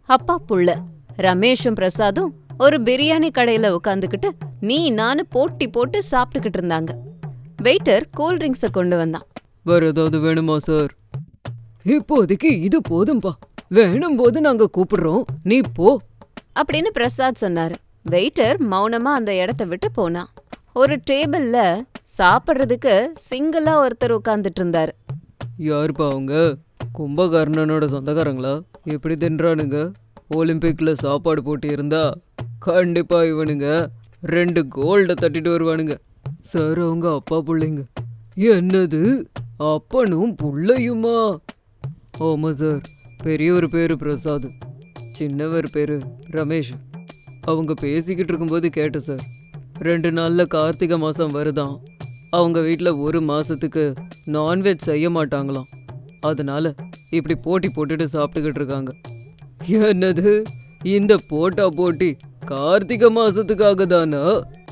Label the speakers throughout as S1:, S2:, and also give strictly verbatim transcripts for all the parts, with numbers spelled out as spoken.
S1: அப்பா புள்ள ரமேஷும் பிரசாதும் ஒரு பிரியாணி கடையில உட்காந்துக்கிட்டு நீ நானு போட்டி போட்டு சாப்பிட்டுக்கிட்டு இருந்தாங்க. வெயிட்டர் கூல் ட்ரிங்க்ஸ கொண்டு வந்தான்.
S2: வேற ஏதாவது வேணுமா சார்? இப்போதைக்கு இது போதும்பா, வேணும் போது நாங்க கூப்பிடுறோம், நீ போ
S1: அப்படின்னு பிரசாத் சொன்னாரு. வெயிட்டர் மௌனமா அந்த இடத்த விட்டு போனான். ஒரு டேபிள்ல சாப்பிட்றதுக்கு சிங்கிளா ஒருத்தர் உட்கார்ந்துட்டு இருந்தாரு.
S2: யாருப்பா அவங்க? கும்பகர்ணனோட சொந்தக்காரங்களா? எப்படி தின்றானுங்க? ஒலிம்பிக்ல சாப்பாடு போட்டி இருந்தா கண்டிப்பா இவனுங்க ரெண்டு கோல்ட தட்டிட்டு வருவானுங்க. சார் அவங்க அப்பா பிள்ளைங்க. என்னது, அப்பனும் புள்ளையுமா? ஆமா சார், பெரியவர் பேரு பிரசாத், சின்னவர் பேரு ரமேஷ். அவங்க பேசிக்கிட்டு இருக்கும்போது கேட்டேன் சார், ரெண்டு நாள்ல கார்த்திகை மாசம் வருதாம். அவங்க வீட்டில் ஒரு மாசத்துக்கு நான்வெஜ் செய்ய மாட்டாங்களாம். அதனால இப்படி போட்டி போட்டுட்டு சாப்பிட்டுக்கிட்டு இருக்காங்க. என்னது, இந்த போட்டா போட்டி கார்த்திகை மாசத்துக்காக தானா?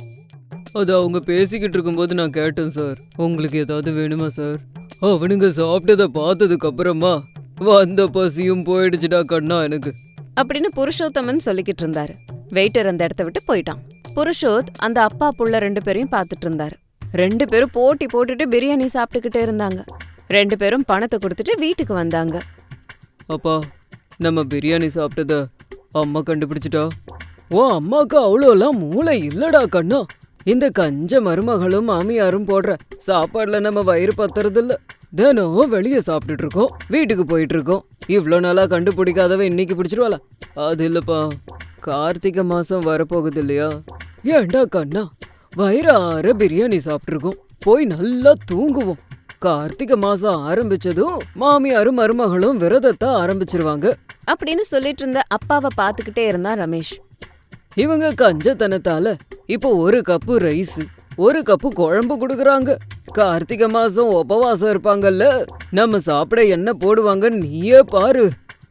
S2: அது அவங்க பேசிக்கிட்டு இருக்கும்போது நான் கேட்டேன் சார். உங்களுக்கு ஏதாவது வேணுமா சார்? அவனுங்க சாப்பிட்டதை பார்த்ததுக்கு அப்புறமா வந்த பசியும் போயிடுச்சுடா கண்ணா எனக்கு
S1: அப்படின்னு புருஷோத்தமன் சொல்லிக்கிட்டு இருந்தாரு. வெயிட்டர் அந்த இடத்த விட்டு போயிட்டான். புருஷோத் அந்த அப்பா புள்ள ரெண்டு பேரையும் பார்த்துட்டு இருந்தாரு. ரெண்டு பேரும் போட்டி போட்டுட்டு பிரியாணி சாப்பிட்டுக்கிட்டே இருந்தாங்க. ரெண்டு பேரும் பணத்தை கொடுத்துட்டு வீட்டுக்கு வந்தாங்க.
S2: அப்பா, நம்ம பிரியாணி சாப்பிட்டத அம்மா கண்டுபிடிச்சிட்டா. ஓ, அம்மாக்கு அவ்வளோலாம் மூளை இல்லடா கண்ணா. இந்த கஞ்ச மருமகளும் மாமியாரும் போடுற சாப்பாடுல நம்ம வயிறு பத்துறதில்ல. தினம் வெளியே சாப்பிட்டுட்டு இருக்கோம், வீட்டுக்கு போயிட்டு இருக்கோம். இவ்வளோ நாளா கண்டுபிடிக்காதவ இன்னைக்கு பிடிச்சிருவாளா? அது இல்லப்பா, கார்த்திகை மாசம் வரப்போகுது இல்லையா? ஏண்டா கண்ணா, வயிறார பிரியாணி சாப்பிட்டுருக்கோம், போய் நல்லா தூங்குவோம். கார்த்திகை மாசம் ஆரம்பிச்சதும் மாமியாரும் மருமகளும் விரதத்தை ஆரம்பிச்சிருவாங்க
S1: அப்படின்னு சொல்லிட்டு இருந்த அப்பாவை பார்த்துக்கிட்டே இருந்தான் ரமேஷ்.
S2: இவங்க கஞ்சத்தனத்தால இப்போ ஒரு கப்பு ரைஸ், ஒரு கப்பு குழம்பு கொடுக்குறாங்க. கார்த்திகை மாசம் உபவாசம் இருப்பாங்கல்ல, நம்ம சாப்பிட என்ன போடுவாங்கன்னு நீயே பாரு.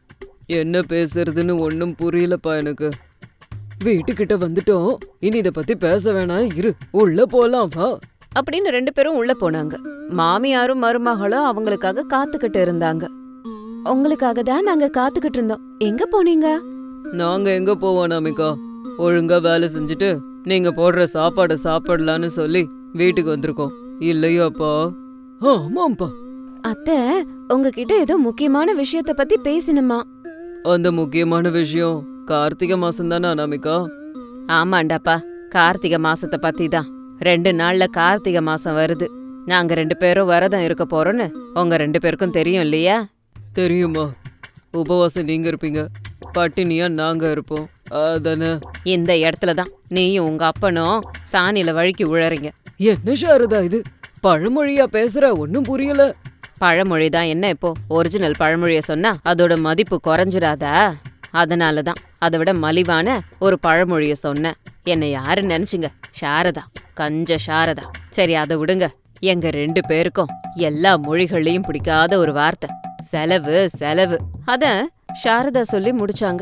S2: என்ன பேசுறதுன்னு ஒன்னும் புரியலப்பா எனக்கு. வீட்டுக்கிட்ட வந்துட்டோம், இனி இத பத்தி பேச வேணாம், இரு, உள்ள போலாம் வா
S1: அப்படின்னு ரெண்டு பேரும் உள்ள போனாங்க. மாமியாரும் மருமகளும் அவங்களுக்காக காத்துக்கிட்டு இருந்தாங்க. உங்களுக்காக தான் நாங்க காத்துக்கிட்டு இருந்தோம், எங்க போனீங்க?
S2: நாங்க எங்க போவோம் நமிகா, ஒழுங்கா வேலை செஞ்சுட்டு நீங்க போடுற சாப்பாடை சாப்பிடலான்னு சொல்லி வீட்டுக்கு வந்திருக்கோம். இல்லையாப்பா? ஆமாப்பா.
S1: அத்தை, உங்ககிட்ட ஏதோ முக்கியமான விஷயத்த பத்தி பேசணுமா?
S2: அந்த முக்கியமான விஷயம் கார்த்திகை மாசம் தானே அனாமிகா?
S1: ஆமாண்டாப்பா, கார்த்திகை மாசத்தை பத்தி தான். ரெண்டு நாள்ல கார்த்திகை மாசம் வருது. நாங்க ரெண்டு பேரும் விரதம் இருக்க போறோம்னு உங்க ரெண்டு பேருக்கும் தெரியும் இல்லையா?
S2: தெரியுமா? உபவாசம் நீங்க இருப்பீங்க, பட்டினியா நாங்க இருப்போம், அதானே?
S1: இந்த இடத்துலதான் நீயும் உங்க அப்பனும் சாணியில வழுக்கி உழறீங்க.
S2: என்ன சாரதா இது, பழமொழியா பேசுற? ஒன்னும் புரியல.
S1: பழமொழிதான் என்ன, இப்போ ஒரிஜினல் பழமொழிய சொன்னா அதோட மதிப்பு குறைஞ்சிடாதா? அதனாலதான் அதை விட மலிவான ஒரு பழமொழிய சொன்னேன். என்னை யாரு நினைச்சுங்க? சாரதா, கஞ்ச சாரதா. சரி, அதை விடுங்க. எங்க ரெண்டு பேருக்கும் எல்லா மொழிகள்லயும் பிடிக்காத ஒரு வார்த்தை செலவு செலவு. அத சாரதா சொல்லி முடிச்சாங்க.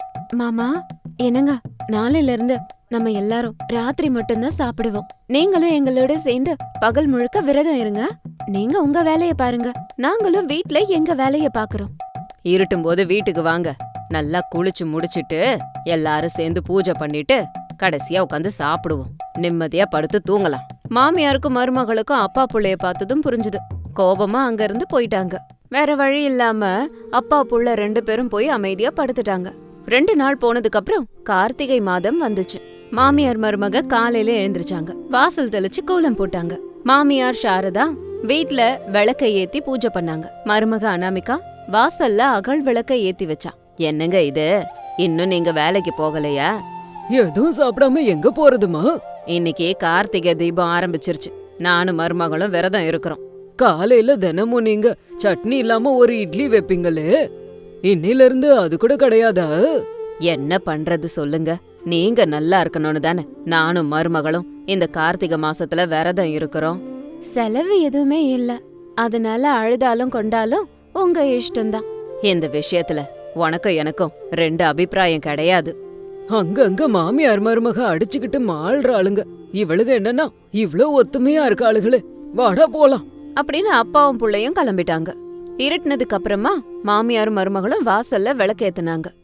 S1: மாமா, என்னங்க, நாளையில இருந்து நம்ம எல்லாரும் ராத்திரி மட்டும்தான் சாப்பிடுவோம். நீங்களும் எங்களோட சேர்ந்து பகல் முழுக்க விரதம் இருங்க. நீங்க உங்க வேலைய பாருங்க, நாங்களும் வீட்ல எங்க வேலைய பாக்குறோம். இருட்டும் போது வீட்டுக்கு வாங்க, நல்லா குளிச்சு முடிச்சிட்டு எல்லாரும் சேர்ந்து பூஜை பண்ணிட்டு கடைசியா உட்காந்து சாப்பிடுவோம். நிம்மதியா படுத்து தூங்கலாம். மாமியாருக்கும் மருமகளுக்கும் அப்பா புள்ளைய பார்த்ததும் புரிஞ்சுது. கோபமா அங்க இருந்து போயிட்டாங்க. வேற வழி இல்லாம அப்பா புள்ள ரெண்டு பேரும் போய் அமைதியா படுத்துட்டாங்க. ரெண்டு நாள் போனதுக்கு அப்புறம் கார்த்திகை மாதம் வந்துச்சு. மாமியார் மருமக காலையில எழுந்திருச்சாங்க. வாசல் தெளிச்சு கோலம் போட்டாங்க. மாமியார் சாரதா வீட்ல விளக்க ஏத்தி பூஜை பண்ணாங்க. மருமக அனாமிகா வாசல்ல அகல் விளக்க ஏத்தி வச்சா. என்னங்க இது, இன்னும் நீங்க வேலைக்கு போகலையா?
S2: எதுவும் சாப்பிடாம எங்க போறதுமா?
S1: இன்னைக்கு கார்த்திகை தீபம் ஆரம்பிச்சிருச்சு. நானும் மருமகளும் விரதம் இருக்கிறோம்.
S2: காலையில தினமும் நீங்க சட்னி இல்லாம ஒரு இட்லி வைப்பீங்களே, இன்னில இருந்து அது கூட கிடையாதா?
S1: என்ன பண்றது சொல்லுங்க, நீங்க நல்லா இருக்கணும்னு தானே நானும் மருமகளும் இந்த கார்த்திகை மாசத்துல விரதம் இருக்கிறோம். செலவு எதுவுமே இல்ல, அதனால அழுதாலும் கொண்டாலும் உங்க இஷ்டம்தான். இந்த விஷயத்துல உனக்கும் எனக்கும் ரெண்டு அபிப்பிராயம் கிடையாது.
S2: அங்கங்க மாமியார் மருமக அடிச்சுக்கிட்டு மாள்ற ஆளுங்க. இவளுக என்னன்னா இவ்ளோ ஒத்துமையா இருக்க ஆளுகளே, வாடா போலாம்
S1: அப்படின்னு அப்பாவும் புள்ளையும் கிளம்பிட்டாங்க. இருட்டுனதுக்கு அப்புறமா மாமியாரும் மருமகளும் வாசல்ல விளக்கேத்துனாங்க.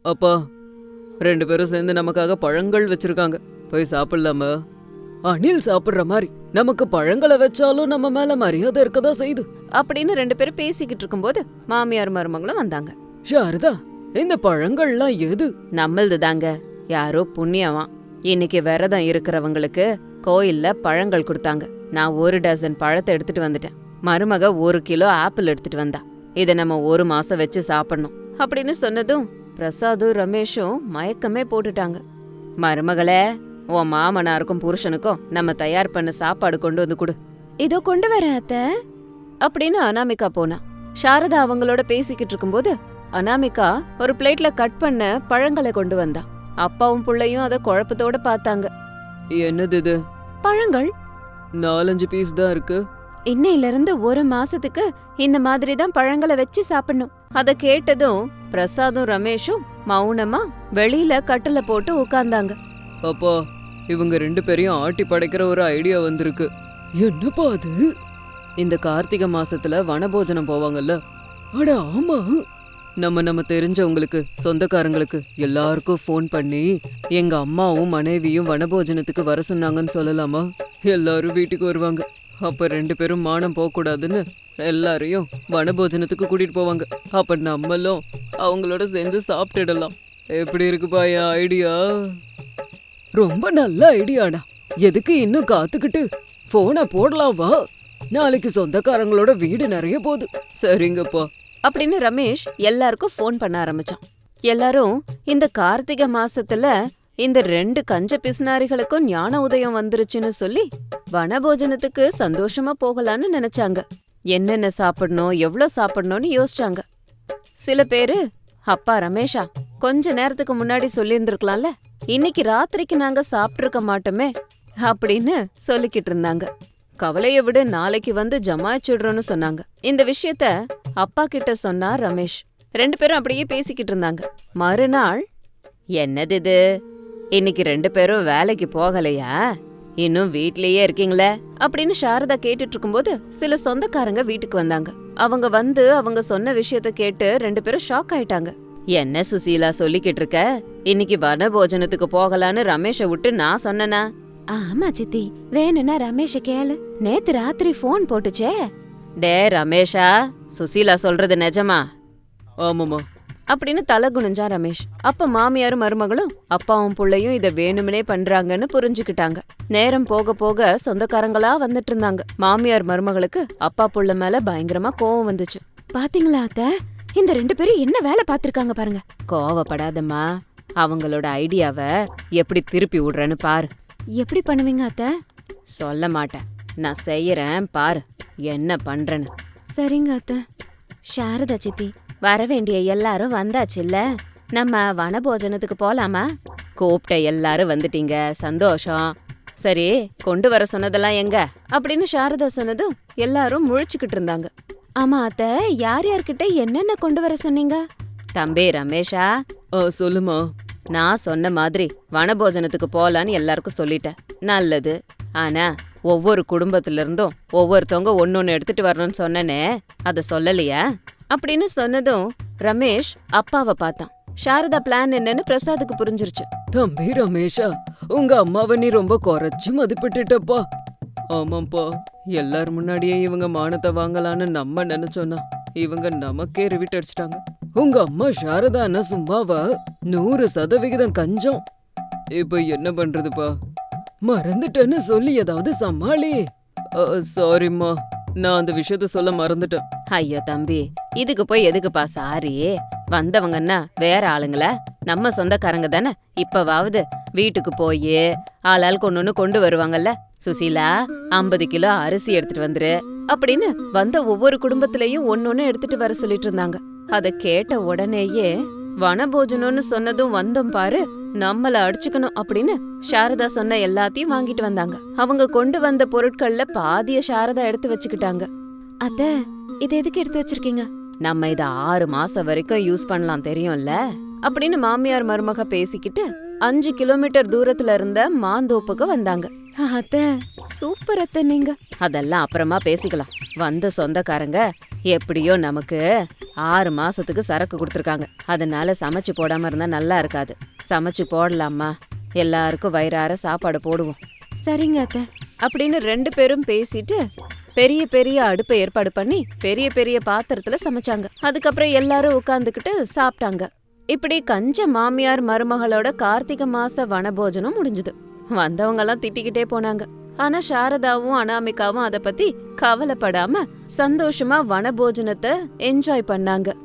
S2: அப்பா, ரெண்டு பேரும் சேர்ந்து நமக்காக பழங்கள் வச்சிருக்காங்க, போய் சாப்பிடலாமா? அணில் சாப்பிடுற மாதிரி நமக்கு பழங்களை வச்சாலும் நம்ம மேல மரியாதை இருக்கதான் செய்யுது
S1: அப்படின்னு ரெண்டு பேரும் பேசிக்கிட்டு இருக்கும்போது மாமியார் மருமகளும் வந்தாங்க.
S2: சாரதா, இந்த பழங்கள்லாம் எது?
S1: நம்மளது தாங்க. யாரோ புண்ணியவான் இன்னைக்கு விரதம் இருக்கிறவங்களுக்கு கோயில்ல பழங்கள் கொடுத்தாங்க. நான் ஒரு டசன் பழத்தை எடுத்துட்டு வந்துட்டேன். மருமக ஒரு கிலோ ஆப்பிள் எடுத்துட்டு வந்தா. இதை நம்ம ஒரு மாசம் வச்சு சாப்பிடணும் அப்படின்னு சொன்னதும் பிரசாதும் ரமேஷும் மயக்கமே போட்டுட்டாங்க. மருமகளே, உன் மாமனாருக்கும் புருஷனுக்கும் நம்ம தயார் பண்ண சாப்பாடு கொண்டு வந்து கொடு. இதோ கொண்டு வர அத்த அப்படின்னு அனாமிகா போனா. சாரதா அவங்களோட பேசிக்கிட்டு இருக்கும்போது அனாமிகா ஒரு பிளேட்ல கட் பண்ண பழங்களை கொண்டு வந்தா. அப்பாவும் புள்ளையும் அத குழப்பத்தோட பார்த்தாங்க.
S2: என்னது இது?
S1: பழங்கள்.
S2: நாலஞ்சு பீஸ் தான் இருக்கு.
S1: இன்னையில இருந்து ஒரு மாசத்துக்கு இந்த மாதிரி தான் பழங்களை வச்சு சாப்பிடணும். அத கேட்டதும் பிரசாதும் ரமேஷும் மௌனமா வெளியில கட்டுல போட்டு உட்கார்ந்தாங்க.
S2: அப்பா, இவங்க ரெண்டு பேரையும் ஆட்டி படைக்கிற ஒரு ஐடியா வந்திருக்கு. என்னப்பா அது? இந்த கார்த்திகை மாசத்துல வனபோஜனம் போவாங்கல்ல? அட ஆமா. நம்ம நம்ம தெரிஞ்சவங்களுக்கு, சொந்தக்காரங்களுக்கு எல்லாருக்கும் ஃபோன் பண்ணி எங்க அம்மாவும் மனைவியும் வனபோஜனத்துக்கு வர சொன்னாங்கன்னு சொல்லலாமா? எல்லாரும் வீட்டுக்கு வருவாங்க. அப்ப ரெண்டு பேரும் மானம் போக கூடாதுன்னு எல்லாரையும் வனபோஜனத்துக்கு கூட்டிட்டு போவாங்க. அப்ப நம்மளும் அவங்களோட சேர்ந்து சாப்பிட்டுடலாம். எப்படி இருக்குப்பா என் ஐடியா? ரொம்ப நல்ல ஐடியாடா. எதுக்கு இன்னும் காத்துக்கிட்டு போனை போடலாம் வா. நாளைக்கு சொந்தக்காரங்களோட வீடு நிறைய போகுது. சரிங்கப்பா
S1: அப்படின்னு ரமேஷ் எல்லாருக்கும் ஃபோன் பண்ண ஆரம்பிச்சான். எல்லாரும் இந்த கார்த்திகை மாசத்துல இந்த ரெண்டு கஞ்ச பிசுனாரிகளுக்கும் ஞான உதயம் வந்துருச்சுன்னு சொல்லி வனபோஜனத்துக்கு சந்தோஷமா போகலான்னு நினைச்சாங்க. என்னென்ன சாப்பிடணும், எவ்வளவு சாப்பிடணும்னு யோசிச்சாங்க. சில பேரு, அப்பா ரமேஷா, கொஞ்ச நேரத்துக்கு முன்னாடி சொல்லியிருந்திருக்கலாம்ல, இன்னைக்கு ராத்திரிக்கு நாங்க சாப்பிட்டிருக்க மாட்டோமே அப்படின்னு சொல்லிக்கிட்டு இருந்தாங்க. கவலைய விட நாளைக்கு வந்து ஜமாய்ச்சிடுறோன்னு சொன்னாங்க. இந்த விஷயத்த அப்பா கிட்ட சொன்னா ரமேஷ். ரெண்டு பேரும் அப்படியே பேசிக்கிட்டு இருந்தாங்க. மறுநாள், என்னது இது, இன்னைக்கு ரெண்டு பேரும் வேலைக்கு போகலையா, இன்னும் வீட்லயே இருக்கீங்களே அப்படின்னு சாரதா கேட்டுட்டு இருக்கும்போது சில சொந்தக்காரங்க வீட்டுக்கு வந்தாங்க. அவங்க வந்து அவங்க சொன்ன விஷயத்த கேட்டு ரெண்டு பேரும் ஷாக் ஆயிட்டாங்க. என்ன சுசீலா சொல்லிக்கிட்டு இருக்க, இன்னைக்கு வனபோஜனத்துக்கு போகலான்னு ரமேஷ விட்டு நான் சொன்னனா? ஆமா சித்தி, வேணும்னா ரமேஷ கேளு, நேத்து ராத்திரி போன் போட்டுச்சே. டே ரமேஷா, சுசீலா சொல்றது நிஜமா?
S2: ஆமாமா
S1: அப்படின்னு தலை குனிஞ்சா ரமேஷ். அப்ப மாமியாரும் மருமகளும் அப்பாவும் புள்ளையும் இத வேணும்னே பண்றாங்கன்னு புரிஞ்சுக்கிட்டாங்க. நேரம் போக போக சொந்தக்காரங்களா வந்துட்டு இருந்தாங்க. மாமியார் மருமகளுக்கு அப்பா புள்ள மேல பயங்கரமா கோவம் வந்துச்சு. பாத்தீங்களா அத்த, இந்த ரெண்டு பேரும் என்ன வேலை பாத்திருக்காங்க பாருங்க. கோவப்படாதம்மா, அவங்களோட ஐடியாவை எப்படி திருப்பி விடுறேன்னு பாரு. எப்படி பண்ணுவீங்க அத்த? சொல்ல மாட்டேன், நான் செய்யறேன் பாரு என்ன பண்றேன்னு. சரிங்க அத்த. சாரதா சித்தி, வர வேண்டிய எல்லாரும் வந்தாச்சுல்ல, நம்ம வனபோஜனத்துக்கு போலாமா? கூப்பிட்ட எல்லாரும் வந்துட்டீங்க, சந்தோஷம். சரி, கொண்டு வர சொன்னதெல்லாம் எங்க அப்படின்னு சாரதா சொன்னதும் எல்லாரும் முழிச்சுக்கிட்டு இருந்தாங்க. ஆமா அத்த, யார் யார்கிட்ட என்னென்ன கொண்டு வர சொன்னீங்க? தம்பி ரமேஷா.
S2: சொல்லுமா.
S1: நான் சொன்ன மாதிரி வனபோஜனத்துக்கு போலான்னு எல்லாருக்கும் சொல்லிட்டேன். நல்லது. ஆனா ஒவ்வொரு குடும்பத்துல இருந்தும் ஒவ்வொருத்தவங்க ஒன்னொன்னு எடுத்துட்டு வரணும்னு சொன்னனே, அத சொல்லலையா அப்படின்னு சொன்னதும் ரமேஷ் அப்பாவை பார்த்தான். சாரதா பிளான் என்னன்னு பிரசாதுக்கு புரிஞ்சிருச்சு.
S2: தம்பி ரமேஷா, உங்க அம்மாவை நீ ரொம்ப குறைச்சு மதிப்பிட்டுட்டப்பா. ஆமாப்பா, எல்லார் முன்னாடியே இவங்க மானத்தை வாங்கலான்னு நம்ம நினைச்சோன்னா இவங்க நமக்கே ரிவிட் அடிச்சிட்டாங்க. உங்க அம்மா சாரதான்னா சும்மாவா? நூறு சதவிகிதம் கஞ்சம். இப்ப என்ன பண்றதுப்பா? மறந்துட்டேன்னு சொல்லி ஏதாவது சமாளி. சாரிம்மா, நான் அந்த விஷயத்த சொல்ல மறந்துட்டேன்.
S1: ஐயோ தம்பி, இதுக்கு போய் எதுக்குப்பா சாரி? வந்தவங்கன்னா வேற ஆளுங்கள, நம்ம சொந்தக்காரங்க தானே. இப்பவாவது வீட்டுக்கு போய் ஆளாளுக்கு ஒன்னொன்னு கொண்டு வருவாங்கல்ல. சுசீலா, ஐம்பது கிலோ அரிசி எடுத்துட்டு வந்துரு அப்படின்னு வந்த ஒவ்வொரு குடும்பத்திலயும் ஒன்னொன்னு எடுத்துட்டு வர சொல்லிட்டு இருந்தாங்க. அத கேட்ட உடனேயே வனபோஜனம்னு சொன்னதும் வந்தோம் பாரு, நம்மள அடிச்சுக்கணும் அப்படின்னு சாரதா சொன்ன எல்லாத்தையும் வாங்கிட்டு வந்தாங்க. அவங்க கொண்டு வந்த பொருட்கள்ல பாதிய சாரதா எடுத்து வச்சுக்கிட்டாங்க. அத்த, இத எதுக்கு எடுத்து வச்சிருக்கீங்க? நம்ம இத ஆறு மாசம் வரைக்கும் யூஸ் பண்ணலாம் தெரியும்ல அப்படின்னு மாமியார் மருமக பேசிக்கிட்டு அஞ்சு கிலோமீட்டர் தூரத்துல இருந்த மாந்தோப்புக்கு வந்தாங்க. அத்த, சூப்பர் அத்த நீங்க. அதெல்லாம் அப்புறமா பேசிக்கலாம். வந்த சொந்தக்காரங்க எப்படியோ நமக்கு ஆறு மாசத்துக்கு சரக்கு கொடுத்துருக்காங்க. அதனால சமைச்சு போடாம இருந்தா நல்லா இருக்காது. சமைச்சு போடலாமா? எல்லாருக்கும் வயிறார சாப்பாடு போடுவோம். சரிங்க அத்தை அப்படின்னு ரெண்டு பேரும் பேசிட்டு பெரிய பெரிய அடுப்பை ஏற்பாடு பண்ணி பெரிய பெரிய பாத்திரத்துல சமைச்சாங்க. அதுக்கப்புறம் எல்லாரும் உட்கார்ந்துக்கிட்டு சாப்பிட்டாங்க. இப்படி கஞ்ச மாமியார் மருமகளோட கார்த்திகை மாச வனபோஜனம் முடிஞ்சுது. வந்தவங்க எல்லாம் திட்டிக்கிட்டே போனாங்க. ஆனா சாரதாவும் அனாமிகாவும் அத பத்தி கவலைப்படாம சந்தோஷமா வனபோஜனத்தை என்ஜாய் பண்ணாங்க.